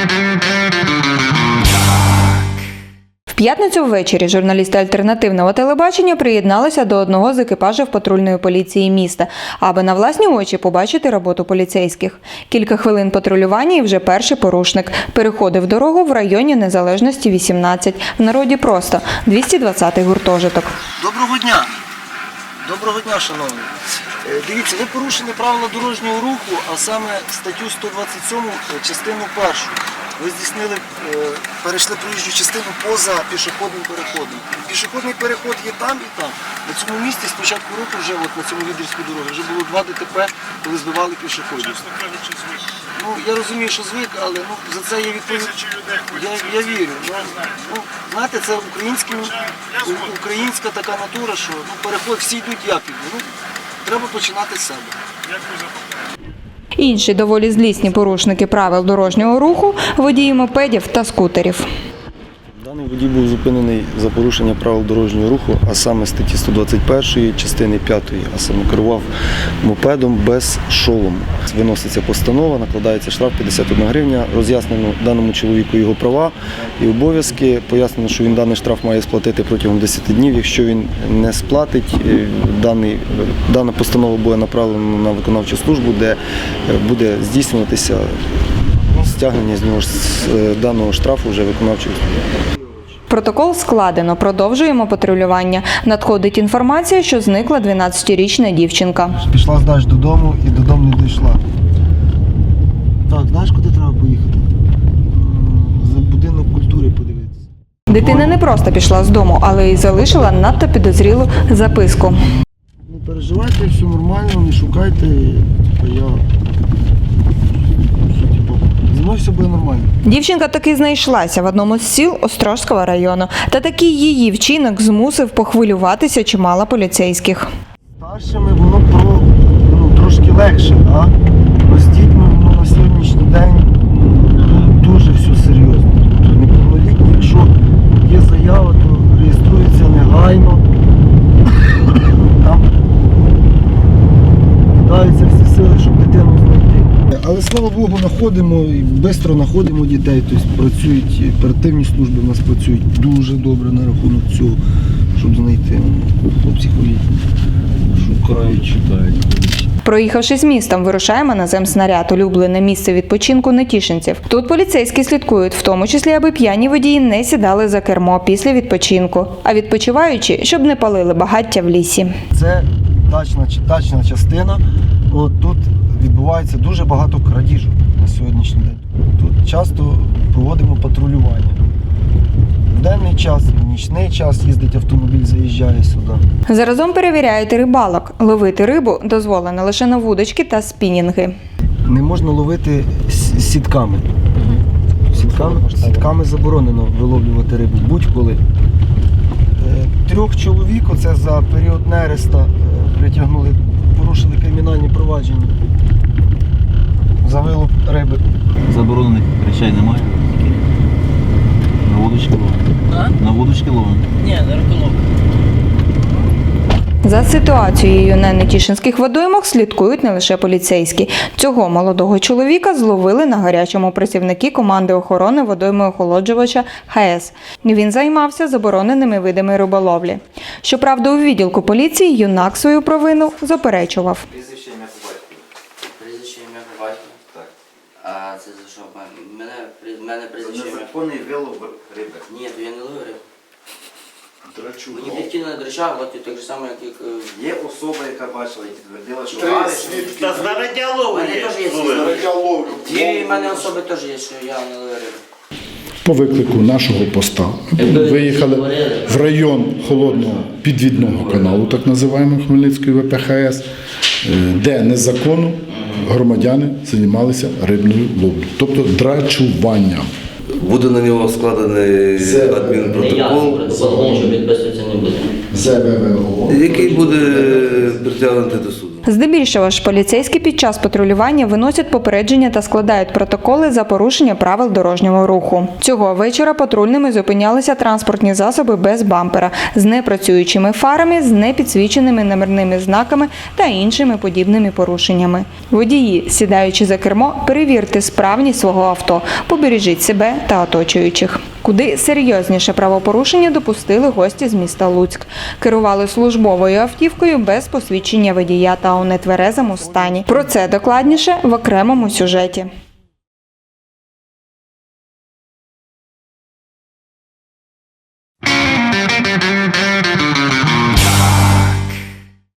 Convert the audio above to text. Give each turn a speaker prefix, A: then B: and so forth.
A: В п'ятницю ввечері журналісти альтернативного телебачення приєдналися до одного з екіпажів патрульної поліції міста, аби на власні очі побачити роботу поліцейських. Кілька хвилин патрулювання і вже перший порушник переходив дорогу в районі Незалежності 18, в народі просто 220-й гуртожиток.
B: Доброго дня! Доброго дня, шановні! Дивіться, ви порушили правила дорожнього руху, а саме статтю 127, частину 1. Ви здійснили, перейшли проїжджу частину поза пішохідним переходом. Пішохідний переход є там і там. На цьому місці з початку року вже, от на цьому відрізку дороги, вже було 2 ДТП, коли збивали пішоходів. Ну, я розумію, що звик, але за це є відповідь. Я вірю. Знаєте, це українська така натура, що переход всі йдуть як йдуть. Треба починати з себе.
A: Інші доволі злісні порушники правил дорожнього руху – водії мопедів та скутерів.
B: Даний водій був зупинений за порушення правил дорожнього руху, а саме статті 121, частини 5, а саме керував мопедом без шолому. Виноситься постанова, накладається штраф 51 гривня, роз'яснено даному чоловіку його права і обов'язки, пояснено, що він даний штраф має сплатити протягом 10 днів. Якщо він не сплатить, дана постанова буде направлена на виконавчу службу, де буде здійснюватися стягнення з нього даного штрафу вже виконавчою службою.
A: Протокол складено, продовжуємо патрулювання. Надходить інформація, що зникла 12-річна дівчинка.
B: Пішла здач додому і додому не дійшла. Так, знаєш, куди треба поїхати? За будинок культури подивитися.
A: Дитина не просто пішла з дому, але й залишила надто підозрілу записку.
B: Не переживайте, все нормально, не шукайте, зі мною все буде нормально.
A: Дівчинка таки знайшлася в одному з сіл Острозького району. Та такий її вчинок змусив похвилюватися чимало поліцейських.
B: Старшими воно трошки легше, а з дітьми на сьогоднішній день дуже все серйозно. Тобто неповнолітні, якщо є заява, то реєструється негайно. Там кидаються всі сили, щоб дитину знайти. Але, слава Богу, знаходимо і швидко знаходимо дітей, тобто працюють, оперативні служби у нас працюють дуже добре на рахунок цього, щоб знайти. Хлопці ходять, шукають, читають.
A: Проїхавшись містом, вирушаємо на земснаряд, улюблене місце відпочинку нетішинців. Тут поліцейські слідкують, в тому числі, аби п'яні водії не сідали за кермо після відпочинку, а відпочиваючи, щоб не палили багаття в лісі.
B: Це дачна частина. Тут відбувається дуже багато крадіжок на сьогоднішній день. Тут часто проводимо патрулювання. В денний час, в нічний час їздить автомобіль, заїжджає сюди.
A: Заразом перевіряють рибалок. Ловити рибу дозволено лише на вудочки та спінінги.
B: Не можна ловити сітками. Сітками заборонено виловлювати рибу будь-коли. 3 чоловік, оце за період нереста, притягнули, порушили кримінальні провадження за вилов риби.
C: Заборонених речей немає? На вудочки ловимо? На вудочки ловимо?
D: Ні, на риболовлю.
A: За ситуацією на нетішинських водоймах слідкують не лише поліцейські. Цього молодого чоловіка зловили на гарячому працівники команди охорони водойми-охолоджувача ХС. Він займався забороненими видами риболовлі. Щоправда, у відділку поліції юнак свою провину заперечував.
D: Прізвище, ім'я по батькові. Прізвище, ім'я по батькові? Так. А це за що? Мене прізвище, ім'я.
E: Незаконний вилов риби.
D: Ні, то я не ловив рибу.
E: Драчу.
D: Мені батьки не драчав, от так же само, як...
E: Є особа, яка бачила і підтвердила, що
F: Та знаряддя лову
D: У мене
F: є.
D: теж є дві в мене особи теж є, що я не ловив рибу.
G: По виклику нашого поста виїхали в район холодного підвідного каналу, так називаємо Хмельницької ВПХС, де незаконно громадяни займалися рибною ловлею, тобто драчуванням.
H: Буде на нього складений адмінпротокол,
D: Тому що підписуватися не буде.
G: ЗВВО.
H: який буде притягнутий до суду.
A: Здебільшого ж поліцейські під час патрулювання виносять попередження та складають протоколи за порушення правил дорожнього руху. Цього вечора патрульними зупинялися транспортні засоби без бампера, з непрацюючими фарами, з непідсвіченими номерними знаками та іншими подібними порушеннями. Водії, сідаючи за кермо, перевірте справність свого авто, побережіть себе та оточуючих. Куди серйозніше правопорушення допустили гості з міста Луцьк. Керували службовою автівкою без посвідчення водія та у нетверезому стані. Про це докладніше в окремому сюжеті.